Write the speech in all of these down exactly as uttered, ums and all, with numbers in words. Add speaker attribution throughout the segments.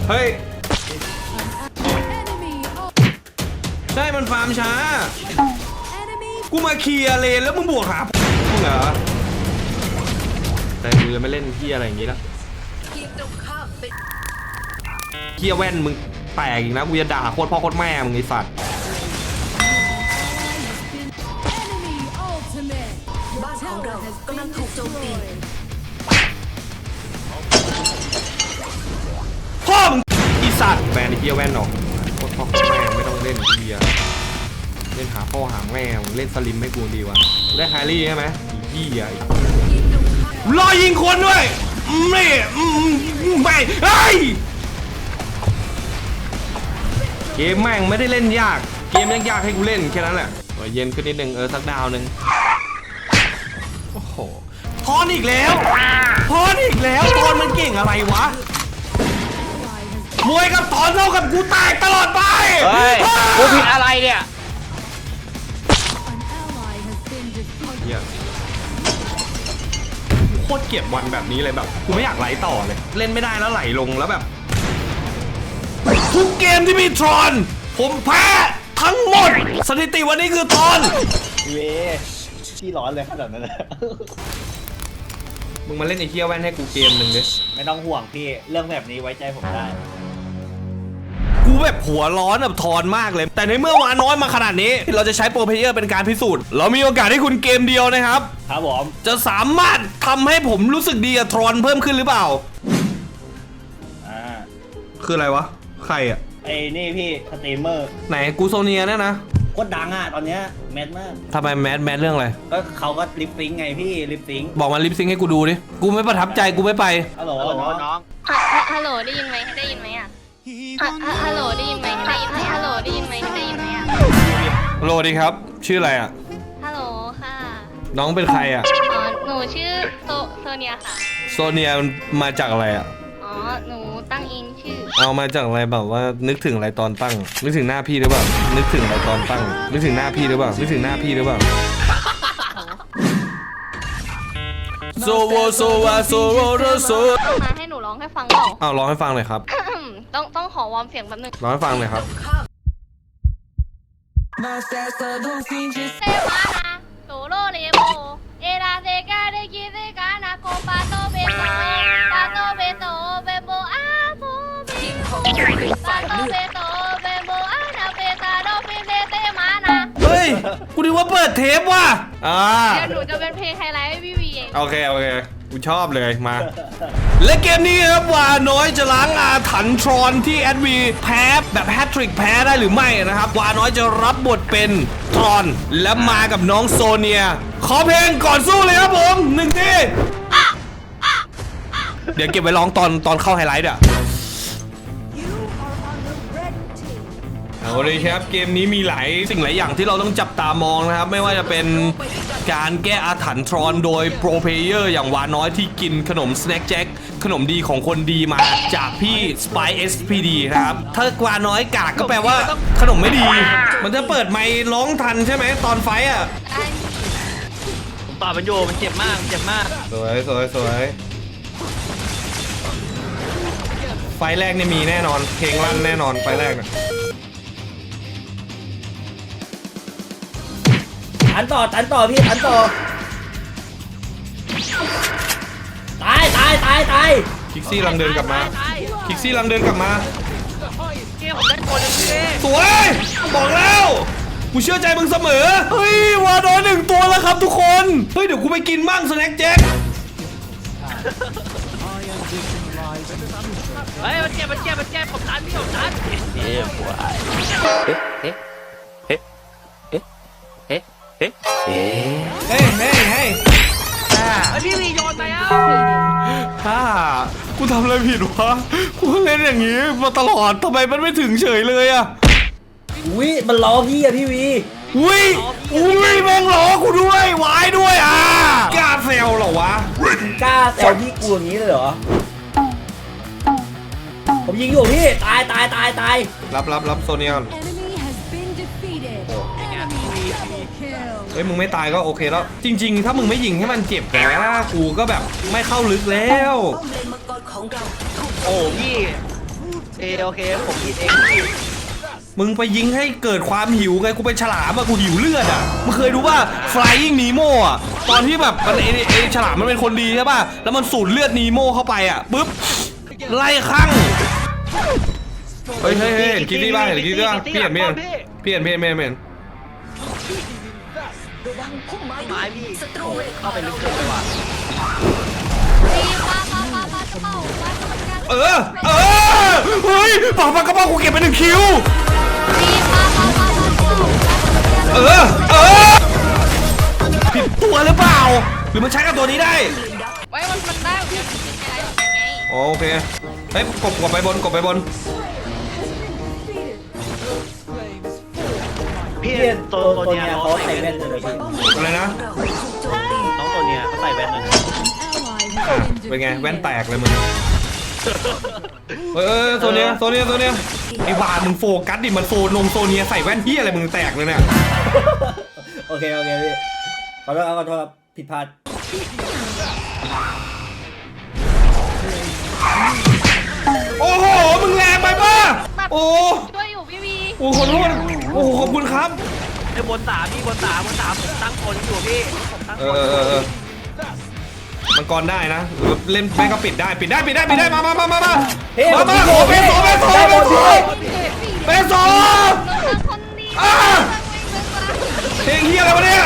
Speaker 1: เฮ้ยใช่มันฟาร์มช้ากูมาเคลียร์เลนแล้วมึงบวกหามึงเหรอแต่กูจะไม่เล่นเฮียอะไรอย่างงี้แล้วเฮียแว่นมึงแตกอีกนะกูจะด่าโคตรพ่อโคตรแม่มึงไอ้สัตว์
Speaker 2: บ้านของเรากำลังถูกโจมตี
Speaker 1: พ่อมึงอีสัตว์แบนไอ้เฮียแว่นออกโคตรพ่อโคตรแม่ไม่ต้องเล่นเฮียเล่นหาพ่อหาแม่มึงเล่นสลิมไม่กูดีวะได้แฮร์รี่ใช่ไหมเฮียรอยิงคนด้วยไม่ไม่ไอ้เกมแม่งไม่ได้เล่นยากเกมยังยากให้กูเล่นแค่นั้นแหละเย็นขึ้นนิดนึงเออสักดาวนึงโอ้โหทอนอีกแล้วทอนอีกแล้วทอนมันเก่งอะไรวะมวยกับทอนเท่ากับกูแตกตลอดไป
Speaker 3: เฮ้ยกูผิดอะไรเนี่ย
Speaker 1: เฮียโคตรเกลียดวันแบบนี้เลยแบบกูไม่อยากไหลต่อเลยเล่นไม่ได้แล้วไหลลงแล้วแบบทุกเกมที่มีทรอนผมแพ้ทั้งหมดสถิติวันนี้คือทรอน
Speaker 4: เว้ยที่ร้อนเลยขนาดนั้นเลย
Speaker 1: มึงมาเล่นไอ้เหี้ยแว่นให้กูเกมหนึ่งดิ
Speaker 4: ไม่ต้องห่วงพี่เรื่องแบบนี้ไว้ใจผมได้
Speaker 1: กูแบบหัวร้อนแบบทอนมากเลยแต่ในเมื่อวาน้อยมาขนาดนี้เราจะใช้โปรเพลเยอร์เป็นการพิสูจน์เรามีโอกาสให้คุณเกมเดียวนะครับ
Speaker 4: ครับผม
Speaker 1: จะสามารถทำให้ผมรู้สึกดีกับทรอนเพิ่มขึ้นหรือเปล่า
Speaker 4: อ่า
Speaker 1: คืออะไรวะใครอ่ะ
Speaker 4: ไอ้นี่พี่สตรีมเมอร์
Speaker 1: ไหนกูโซเนียเนี่ยนะ
Speaker 4: โคตรดังอ่ะตอนเนี้ยแมสมาก
Speaker 1: ทำไมแมสแมสเรื่องอะไร
Speaker 4: ก็เขาก็ลิปซิงไงพี่ลิปซิง
Speaker 1: บอกมาลิปซิงให้กูดูดิกูไม่ประทับใจกูไม่ไป
Speaker 4: ฮัลโหลน้อง
Speaker 2: ฮัลโหลได้ยินไหมได้ยินไหมอ่ะฮัลโหลได้ยินไหมได้ยินไหมฮัลโหลได้ยินไหมได้ยินไหมอ่ะ
Speaker 1: โลดีครับชื่ออะไรอ่ะ
Speaker 2: ฮัลโหลค่ะ
Speaker 1: น้องเป็นใครอ่ะ
Speaker 2: อ๋อหนูชื่อโซโซเนียค่ะ
Speaker 1: โซเนียมาจากอะไรอ่ะ
Speaker 2: อ๋อหนูตั้งเองชื่อ
Speaker 1: เอามาจากอะไรแบบว่านึกถึงอะไรตอนตั้งนึกถึงหน้าพี่หรือเปล่านึกถึงอะไรตอนตั้งนึกถึงหน้าพี่หรือเปล่านึกถึงหน้าพี่หรือเปล่าโซโวโซวาโซโวโรโซ
Speaker 2: ต้องมาให้หนูร้องให้ฟังเปล่า
Speaker 1: อ้าวร้องให้ฟังเลยครับ
Speaker 2: ต้องต้องขอวอร์มเสียงแป๊บนึง
Speaker 1: ร้องให้ฟังเลยครับ
Speaker 2: เซมานาโซโลเลโมเอลาเซกาเดกิเซกานาโคปาโตเบโตปาโตเบโตเบโบอาโบเบโตปาโตเบโตเบโบอานาเบตาโดฟิเซเซมานา
Speaker 1: เฮ้ยกูนึกว่าเปิดเทปว่ะอ่า
Speaker 2: เดี๋ยวหนูจะเป็นเพลงไฮไลท์ให้พี่วีเอง
Speaker 1: โอเคโอเคกูชอบเลยมาและเกมนี้ครับว่าน้อยจะล้างอาถรรพ์ทรอนที่แอดวีแพ้แบบแฮตทริกแพ้ได้หรือไม่นะครับว่าน้อยจะรับบทเป็นทรอนและมากับน้องโซเนียขอเพลงก่อนสู้เลยครับผมหนึ่งทีเดี๋ยวเก็บไว้ร้องตอนตอนเข้าไฮไลท์อ่ะเอาเลยครับเกมนี้มีหลายสิ่งหลายอย่างที่เราต้องจับตามองนะครับไม่ว่าจะเป็นการแก้อาถรรพ์ทรอนโดยโปรเพลเยอร์อย่างวาน้อยที่กินขนมสแน็คแจ็คขนมดีของคนดีมาจากพี่ Spy เอส พี ดี นะครับถ้าวาน้อยกากก็แปลว่าขนมไม่ดีมันจะเปิดไมค์ร้องทันใช่ไหมตอนไฟอ่ะ
Speaker 3: ผมต่อมันโยมันเจ็บมากเจ็บมาก
Speaker 1: สวยสวยสวยไฟแรกนี่มีแน่นอนเพลงลั่นแน่นอนไฟแรกนะ
Speaker 4: ตันต่อตันต่อพี่ตันต่อตายตายตายตาย
Speaker 1: คิกซี่ลังเดินกลับมาคิกซี่ลังเดินกลับมา
Speaker 3: เกมผมได้คนหนึ่งที
Speaker 1: สวยบอกแล้วกูเชื่อใจมึงเสมอเฮ้ยวาน้อยหนึ่งตัวแล้วครับทุกคนเฮ้ยเดี๋ยวกูไปกินมั่งสแน็คแจ็ค
Speaker 3: เฮ้ยมันเจ็บมันเจ็บมันเจ็บผมตันพี่ผมตันเฮ้ยเฮ้ยเฮ้ยเฮ้ยเฮ้ยเฮ้ยเฮ้ย
Speaker 1: เฮ้ยเฮ้ยเฮ้ย
Speaker 3: ไอพี่วีโยนไปอ่ะ
Speaker 1: ฮ่ากูทำอะไรผิดวะกูเล่นอย่างนี้มาตลอดทำไมมันไม่ถึงเฉยเลยอะ
Speaker 4: อุ้ยมันล้อพี่อะพี่วี
Speaker 1: อุ้ยอุ้ยแม่งล้อกูด้วยวายด้วยอ่ะกล้าแซวเหรอวะ
Speaker 4: กล้าแซวพี่กูอย่างนี้เลยเหรอผมยิงอยู่พี่ตายตายตายตาย
Speaker 1: รับรับรับโซเนียเฮ้ยมึงไม่ตายก็โอเคแล้วจริงๆถ้ามึงไม่ยิงให้มันเจ็บนะกูก็แบบไม่เข้าลึกแล้ว
Speaker 3: โอ้พี่เอโอเคผมผิดเองพี่
Speaker 1: มึงไปยิงให้เกิดความหิวไงกูเป็นฉลามอะกูหิวเลือดอะมึงเคยดูว่า Flying Nemo อะตอนที่แบบมันไอไอฉลามมันเป็นคนดีใช่ป่ะแล้วมันสูดเลือดนีโมเข้าไปอะปุ๊บไล่ข้างเฮ้ยเฮ้ยเฮ้ยเห็นคิดดี้บ้างเห็นคิดดี้บ้างพี่เห็นพี่เห็นพี่เห็นพี่เห็นพี่เห็นพี่เห็น
Speaker 3: ไม้พี่เข้าไปลึกเกินไปว่ะ
Speaker 2: ดีมามามามาเป้ามาทำงาน
Speaker 1: เออเออเฮ้ยปากปากกระเป๋ากูเก็บไปหนึ่งคิว
Speaker 2: ดีมามามามาเป้ามาทำงาน
Speaker 1: เออเออผิดตัวหรือเปล่าหรือมันใช้กับตัวนี้ได้
Speaker 2: ไว้มันมันได้เหมือนกันเป็นอะไรเหมือนกันไง
Speaker 1: อ๋อโอเคเฮ้ยกบกบไปบนกบไปบน
Speaker 3: พี่
Speaker 4: พี่
Speaker 3: ตัว
Speaker 4: ตัว
Speaker 3: ตัว
Speaker 4: ตัว
Speaker 3: เนี้ย
Speaker 4: เนี้ย
Speaker 3: เขา
Speaker 4: เขา
Speaker 3: ใส่
Speaker 4: ใส่
Speaker 3: แว่
Speaker 4: แว่
Speaker 3: น
Speaker 4: นเลยพี่
Speaker 1: อะไรนะ
Speaker 3: น้องตัวเนี้ยเขาใส่แว่นเลย
Speaker 1: เป็นไงแว่นแตกเลยมึงเออโซเนียโซเนียโซเนียไอ้บามึงโฟกัสดิมันโซนงโซเนียใส่แว่นเฮียอะไรมึงแตกเลยเนี่ย
Speaker 4: โอเคโอเคพี่ขอโทษครับขอโทษครับผิดพลาด
Speaker 1: โอ้โหมึงแรงไปป่ะโอ้
Speaker 2: ช่วยอยู่พี่วี
Speaker 1: โอ้ขอโทษโอ้ขอบคุณครับ
Speaker 3: ไอ้บนสามพี่บนสามบนสามผมตั้งคนอยู่พี่ผมตั้ง
Speaker 1: เอ
Speaker 3: คน
Speaker 1: อเออเออมังกรได้นะหรือเล่นแม่ก็ปิดได้ปิดได้ปิดได้ปิดได้มามามามามา
Speaker 4: เฮ้ย
Speaker 1: มามาโอ้เปโซเปโซ
Speaker 4: ได้
Speaker 1: เป
Speaker 4: หมด
Speaker 1: โซ
Speaker 4: พี่
Speaker 1: เปโซ
Speaker 2: น้องคนดี
Speaker 1: อ่าเพลงเฮียอะไรวะเนี่ย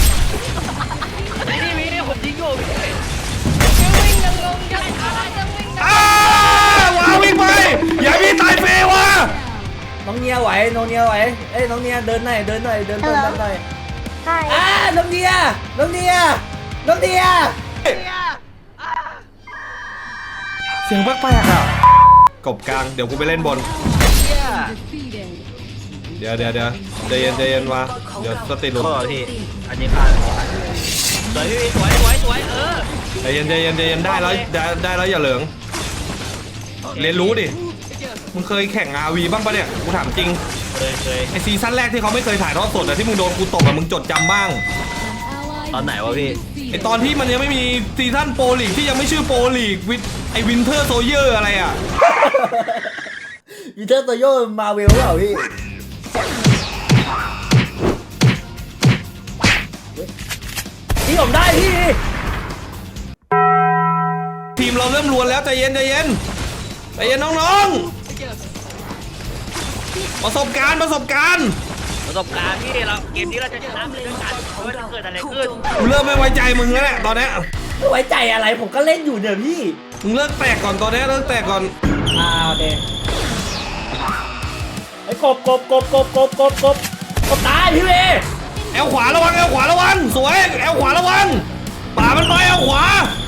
Speaker 3: นี่พี่ผมยิงอยู่พี่
Speaker 2: ยังวิ่งยังลงยังอะไรยังวิ่ง
Speaker 1: อ้าวาวิ่งไปอย่าพี่ตายเฟวะ
Speaker 4: น้องเนียไหวน้องเนียไหวเอ้ยน้องเนียเดินหน่อยเดินหน่อยเดินเดินเดินหน่อย
Speaker 2: ใช่
Speaker 4: อ่าน้องเนียน้องเนียน้องเนีย
Speaker 1: เสียงแปลกๆอ่ะกบกลางเดี๋ยวกูไปเล่นบน เดี๋ยวเดี๋ยวเดี๋ยวใจเย็นใจเย็นวะเดี๋ยวสติหลุด
Speaker 3: โทษพี่อันนี้พลาดสวยพี่สวยสวยสวยเออ
Speaker 1: ใจเย็นใจเย็นใจเย็นได้แล้วได้ได้แล้วอย่าเหลิงเรียนรู้ดิมึงเคยแข่ง อาร์ วี บ้างปะเนี่ยกูถามจริง
Speaker 3: เคยเคย
Speaker 1: ไอซีซั่นแรกที่เขาไม่เคยถ่ายทอดสดแต่ที่มึงโดนกูตบอะมึงจดจำบ้าง
Speaker 3: ตอนไหนวะพี่
Speaker 1: ไอตอนที่มันยังไม่มีซีซั่นโปรลีกที่ยังไม่ชื่อโปรลีกวิไอวินเทอร์โซเยอร์อะไรอ่ะ
Speaker 4: วิเทอร์โตโยมาเวลเปล่าพี่พี่ผมได้พี่
Speaker 1: ทีมเราเริ่มรวนแล้วใจเย็นใจเย็นใจเย็นน้องๆประสบการณ์ประสบการณ์
Speaker 3: ประสบการณ์พี่เราเกมนี้เราจะชนะไปด้วยกันเพราะว่าจะเกิดอะไรขึ้น
Speaker 1: กูเริ่มไม่ไว้ใจมึงแล้วแหละตอนเนี้ย
Speaker 4: ไม่ไว้ใจอะไรผมก็เล่นอยู่เนี่ยพี่
Speaker 1: มึงเลิกแตกก่อนตอนเนี้ยเลิกแตกก่อน
Speaker 4: อ่าโอเคไอ้กบกบกบกบกบกบกบกบตายพี่เว
Speaker 1: แอลขวาระวังแอลขวาระวังสวยแอลขวาระวังป่ามันไปแอลขวา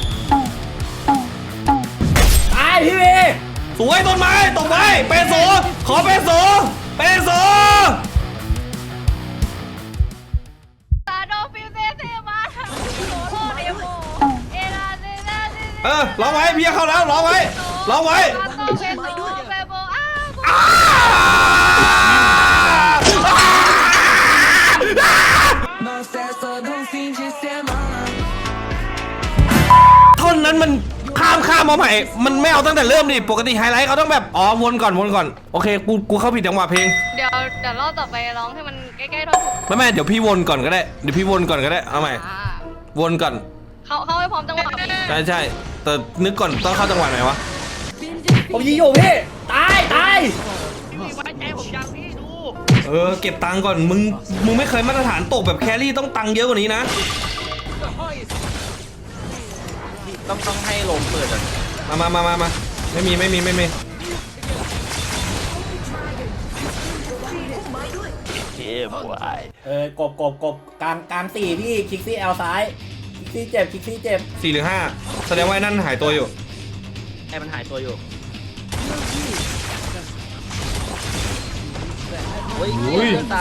Speaker 4: ตายพี่เว
Speaker 1: สวยต้นไม้ตกไม้เปโซขอเปโซเปโซ
Speaker 2: ตาโดฟิวเซเซมาโซโล่เดโมเอราเซนาเซ
Speaker 1: เออร้องไว้เพียเข้าแล้วร้องไว้ร้องไว้
Speaker 2: ปาโตเปโตเปโบอ้า
Speaker 1: อ้าท่อนนั้นมันข้ามข้ามมาใหม่มันไม่เอาตั้งแต่เริ่มดิปกติไฮไลท์เขาต้องแบบอ๋อวนก่อนวนก่อนโอเคกูกูเข้าผิดจังหวะเพลง
Speaker 2: เดี๋ยวเดี๋ยวรอบต่อไปร้องให้มันใกล้ๆท่อนถูก
Speaker 1: ไม่ไม่เดี๋ยวพี่วนก่อนก็ได้เดี๋ยวพี่วนก่อนก็ได้เอาใหม่
Speaker 2: อ่า
Speaker 1: วนก่อน
Speaker 2: เขาเขาให้พร้อมจังหวะพี่
Speaker 1: ใช่ใช่แต่นึกก่อนต้องเข้าจังหวะไหนวะ
Speaker 4: ผมยิงอยู่พี่ตายตาย
Speaker 3: พี่ไว้ใจผมยังพี่ดู
Speaker 1: เออเก็บตังค์ก่อนมึงมึงไม่เคยมาตรฐานตกแบบแครี่ต้องตังค์เยอะกว่านี้นะ
Speaker 3: ต้องต้องให้ลมเปิดอ่ะ
Speaker 1: มามามามามาไม่มีไม่มีไม่มี
Speaker 3: เฮ้ยบวย
Speaker 4: เออกบกบกบกลางกลางสี่พี่คลิกซี่แอลซ้ายคลิกซี่เจ็บคลิกซี่เจ็บ
Speaker 1: สี่หรือห้าแสดงว่าไอ้นั่นหายตัวอยู่
Speaker 3: ไอ้มันหายตัวอยู่โอ้ย
Speaker 1: อุ้ย
Speaker 3: ตาย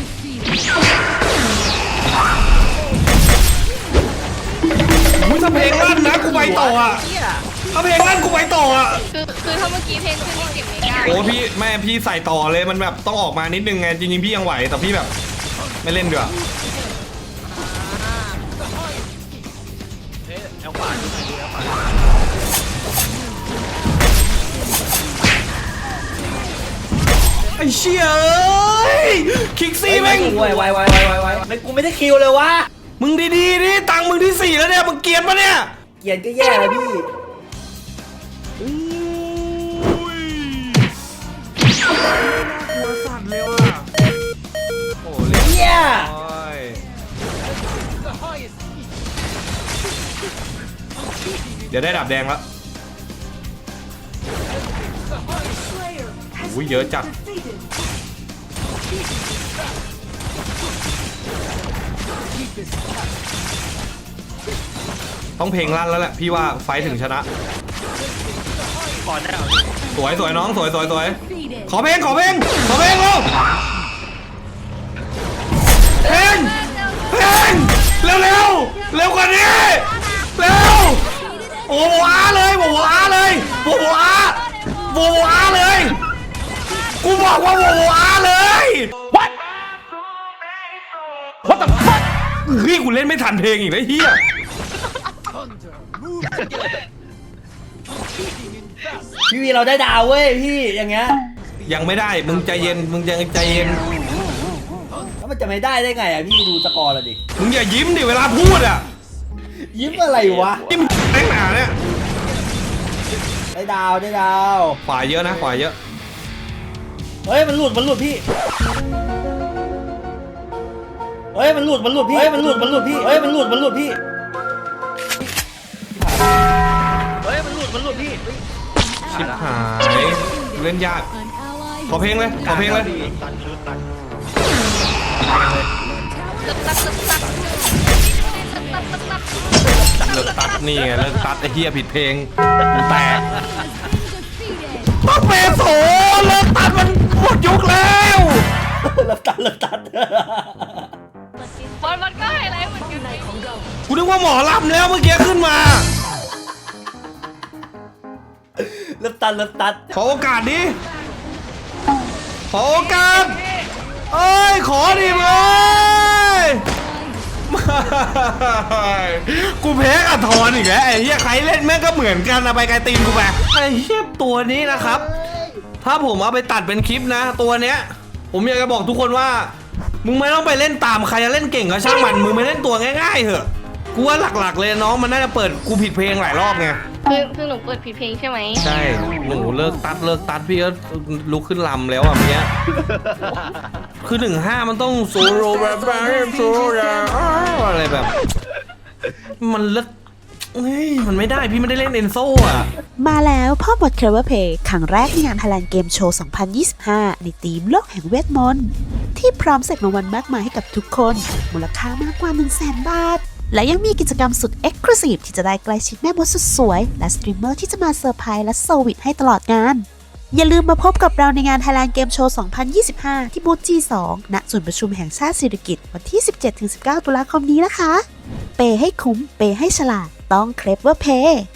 Speaker 1: อุ้ยถ้าเพลงลั่นนะกูไปต่ออ่ะ
Speaker 3: เหี้ย
Speaker 1: ถ้าเพลงลั่นกูไปต่ออ่ะ
Speaker 2: คือคือถ้าเมื่อกี้เพลงขึ้นนี่เก็บไม่ได้
Speaker 1: โอ้พี่แม่พี่ใส่ต่อเลยมันแบบต้องออกมานิดนึงไงจริงๆพี่ยังไหวแต่พี่แบบไม่เล่นด้วย
Speaker 3: เฮ้ยเอาขวาดูหน่อยดูเอาขวา
Speaker 1: ไอ้เชี่ยเอ้ยคิกซี่แม่ง
Speaker 4: ไวไวไวไวไวไวไม่กูไม่ได้คิวเลยวะ
Speaker 1: มึงดีๆดิตังค์มึงที่สี่แล้วเนี่ยมึงเกรียนปะเนี่ย
Speaker 4: เกียนก็แย่เลยพี่
Speaker 1: หัวสั่นเลยว่ะโอ้เรียบ
Speaker 4: เหี้ย
Speaker 1: ร้อยเดี๋ยวได้ดับแดงแล้วอุ้ยเยอะจัดต้องเพลงลั่นแล้วแหละพี่ว่าไฟถึงชนะ
Speaker 3: ก่อนได้เหรอ
Speaker 1: สวยสวยน้องสวยสวยสวยขอเพลงขอเพลงขอเพลงเร็วเพลงเพลงเร็วเร็วเร็วกว่านี้เร็วโอ้โหอาเลยโอ้โหอาเลยโอ้โหอาโอ้โหอาเลยกูบอกว่าโอ้โหอาเลย What What the fuck เฮ้ยกูเล่นไม่ทันเพลงอีกแล้วเฮีย
Speaker 4: พี่วีเราได้ดาวเว้ยพี่อย่างเงี้ย
Speaker 1: ยังไม่ได้มึงใจเย็นมึงยังใจเย็น
Speaker 4: แล้วมันจะไม่ได้ได้ไงอ่ะพี่ดูสกอร์ละดิ
Speaker 1: มึงอย่ายิ้มดิเวลาพูดอ่ะ
Speaker 4: ยิ้มอะไรวะ
Speaker 1: ยิ้มแม่งหนาเนี่ย
Speaker 4: ได้ดาวได้ดาว
Speaker 1: ขวาเยอะนะขวาเยอะ
Speaker 4: เฮ้ยมันหลุดมันหลุดพี่เฮ้ยมันหลุดมันหลุดพี่เฮ้ยมันหลุดมันหลุดพี่เฮ้ยมันหลุดมันหลุดพี่เฮ้ยมันหลุดมันหลุดพี่
Speaker 1: ชิบหายเล่นยากขอเพลงเลยขอเพลงเลย
Speaker 3: ตันคือตัน
Speaker 2: ตึกตักตึกตักตึกตักตึกตัก
Speaker 1: เลิกตัดนี่ไงเลิกตัดไอ้เหี้ยผิดเพลงแตกต้องเปโซเลิกตัดมันหมดยุคแล้ว
Speaker 4: เลิกตัดเลิกตัด
Speaker 2: บอลมันก็ไฮไลท์เหมือนกัน
Speaker 1: กูนึกว่าหมอลำแล้วเมื่อกี้ขึ้นมา
Speaker 4: เลิกตัดเลิกตัด
Speaker 1: ขอโอกาสดิขอโอกาสเอ้ยขอดิมึงเอ้ยไม่กูแพ้กับทอนอีกแล้วไอ้เหี้ยใครเล่นแม่งก็เหมือนกันนะไปไกลตีนกูไปไอ้เหี้ยตัวนี้นะครับ ถ้าผมเอาไปตัดเป็นคลิปนะ ตัวเนี้ย ผมอยากจะบอกทุกคนว่า มึงไม่ต้องไปเล่นตามใครจะเล่นเก่งก็ช่างมันมึงไม่เล่นตัวง่ายๆเถอะกูว่าหลักๆเลยน้องมันน่าจะเปิดกูผิดเพลงหลายรอบไง
Speaker 2: คือคือหนูเปิดผิดเพลงใช่ไหม
Speaker 1: ใช่หนูเลิกตัดเลิกตัดพี่ก็ลุกขึ้นลำแล้วอ่ะเนี้ยคือหนึ่งห้ามันต้องโซโลแบบโซโลอะไรแบบ มันเลิกเฮ้ยมันไม่ได้พี่ไม่ได้เล่นเอนโซอ่ะ
Speaker 5: มาแล้วพ่อบท Clever Play ครั้งแรกในงาน Thailand Game Show สองพันยี่สิบห้า ในธีมโลกแห่งเวทมนต์ที่พร้อมเสกรางวัลมากมายให้กับทุกคน มูลค่ามากกว่า หนึ่งแสน บาท และยังมีกิจกรรมสุด Exclusive ที่จะได้ใกล้ชิดแม่มดสุดสวย และสตรีมเมอร์ที่จะมาเซอร์ไพรส์และเซอร์วิสให้ตลอดงาน อย่าลืมมาพบกับเราในงาน Thailand Game Show สองพันยี่สิบห้า ที่บูธ จี สอง ณ ศูนย์ประชุมแห่งชาติสิริกิติ์วันที่ สิบเจ็ดถึงสิบเก้า ตุลาคมนี้นะคะ เปย์ให้คุ้ม เปย์ให้ฉลาด ต้อง Clever Play